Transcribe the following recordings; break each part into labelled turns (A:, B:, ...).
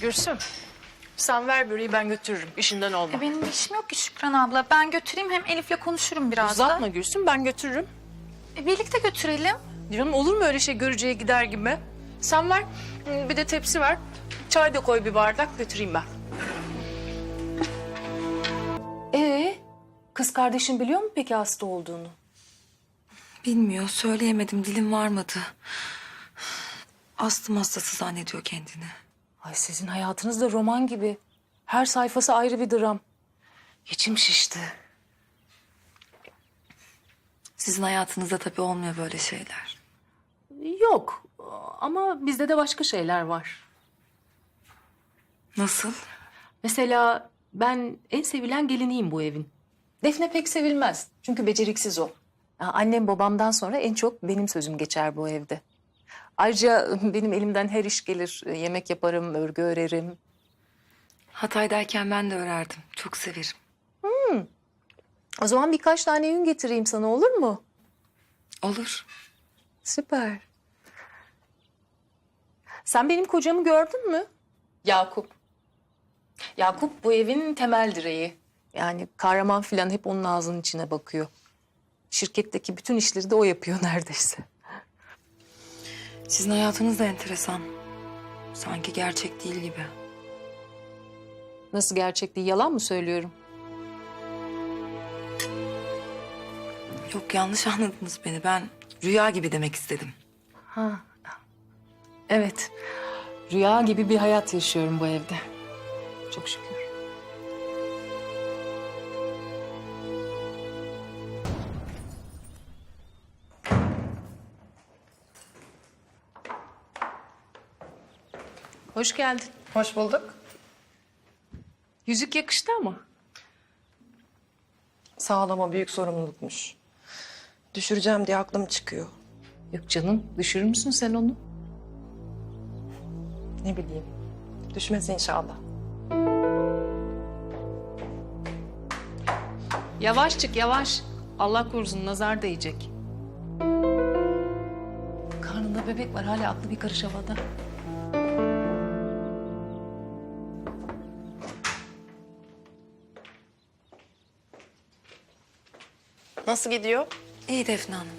A: Gülsüm, sen ver böreği ben götürürüm. İşinden olma.
B: Benim bir işim yok ki Şükran abla. Ben götüreyim, hem Elif'le konuşurum biraz
A: Uzatma
B: da.
A: Gülsüm, ben götürürüm.
B: Birlikte götürelim.
A: Canım olur mu öyle şey görücüye gider gibi? Sen ver, bir de tepsi ver. Çay da koy bir bardak, götüreyim ben.
C: Kız kardeşin biliyor mu peki hasta olduğunu?
D: Bilmiyor, söyleyemedim, dilim varmadı. Astım hastası zannediyor kendini.
C: Ay sizin hayatınız da roman gibi. Her sayfası ayrı bir dram. İçim şişti.
D: Sizin hayatınızda tabii olmuyor böyle şeyler.
C: Yok ama bizde de başka şeyler var.
D: Nasıl?
C: Mesela ben en sevilen geliniyim bu evin. Defne pek sevilmez çünkü beceriksiz o. Ya annem babamdan sonra en çok benim sözüm geçer bu evde. Ayrıca benim elimden her iş gelir. Yemek yaparım, örgü örerim.
D: Hatay'dayken ben de örerdim. Çok severim.
C: O zaman birkaç tane yün getireyim sana, olur mu?
D: Olur.
C: Süper. Sen benim kocamı gördün mü? Yakup. Yakup bu evin temel direği. Yani kahraman filan hep onun ağzının içine bakıyor. Şirketteki bütün işleri de o yapıyor neredeyse.
D: Sizin hayatınız da enteresan. Sanki gerçek değil gibi.
C: Nasıl, gerçek değil, yalan mı söylüyorum?
D: Yok, yanlış anladınız beni. Ben rüya gibi demek istedim.
C: Ha. Evet. Rüya gibi bir hayat yaşıyorum bu evde. Çok şükür. Hoş geldin.
E: Hoş bulduk.
C: Yüzük yakıştı ama.
E: Sağlama büyük sorumlulukmuş. Düşüreceğim diye aklım çıkıyor.
C: Yok canım, düşürür müsün sen onu?
E: Ne bileyim. Düşmez inşallah.
C: Yavaş çık, yavaş. Allah korusun, nazar değecek. Karnında bebek var, hala aklı bir karış havada.
E: Nasıl gidiyor?
D: İyi Defne Hanım.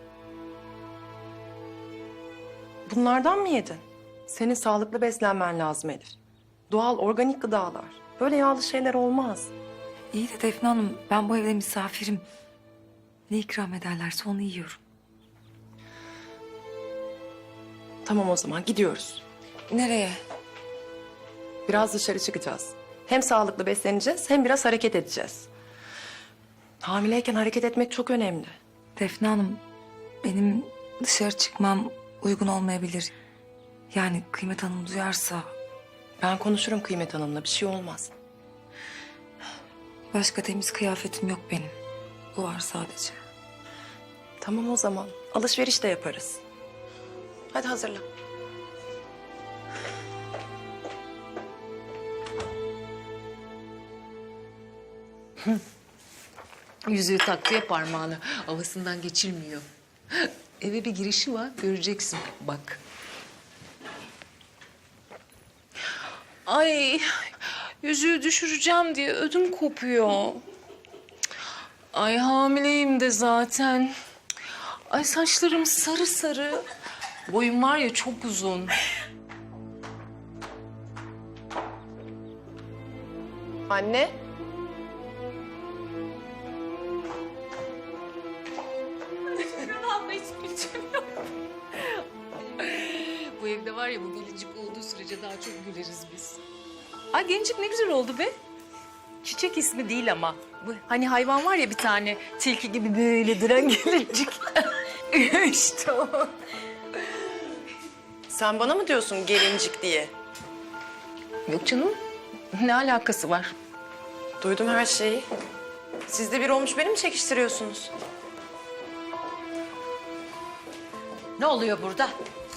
E: Bunlardan mı yedin? Senin sağlıklı beslenmen lazım Elif. Doğal, organik gıdalar. Böyle yağlı şeyler olmaz.
D: İyi de Defne Hanım, ben bu evde misafirim. Ne ikram ederlerse onu yiyorum.
E: Tamam o zaman gidiyoruz.
D: Nereye?
E: Biraz dışarı çıkacağız. Hem sağlıklı besleneceğiz hem biraz hareket edeceğiz. Hamileyken hareket etmek çok önemli.
D: Defne Hanım, benim dışarı çıkmam uygun olmayabilir. Yani Kıymet Hanım duyarsa
E: Ben konuşurum Kıymet Hanım'la, bir şey olmaz.
D: başka temiz kıyafetim yok benim. Bu var sadece.
E: Tamam o zaman. Alışveriş de yaparız. Hadi hazırla.
C: Yüzüğü taktı ya parmağını. Havasından geçilmiyor. Eve bir girişi var, göreceksin bak. Ay, yüzüğü düşüreceğim diye ödüm kopuyor. Ay, hamileyim de zaten. Ay, saçlarım sarı sarı. Boyum var ya, çok uzun.
E: Anne.
C: Bu evde var ya, bu gelincik olduğu sürece daha çok güleriz biz. Ay, gelincik ne güzel oldu be. Çiçek ismi değil ama. Bu hani hayvan var ya bir tane, tilki gibi böyle duran gelincik. İşte o.
E: Sen bana mı diyorsun gelincik diye?
C: Yok canım, ne alakası var?
E: Duydum her şeyi. Siz de bir olmuş beni mi çekiştiriyorsunuz?
F: Ne oluyor burada?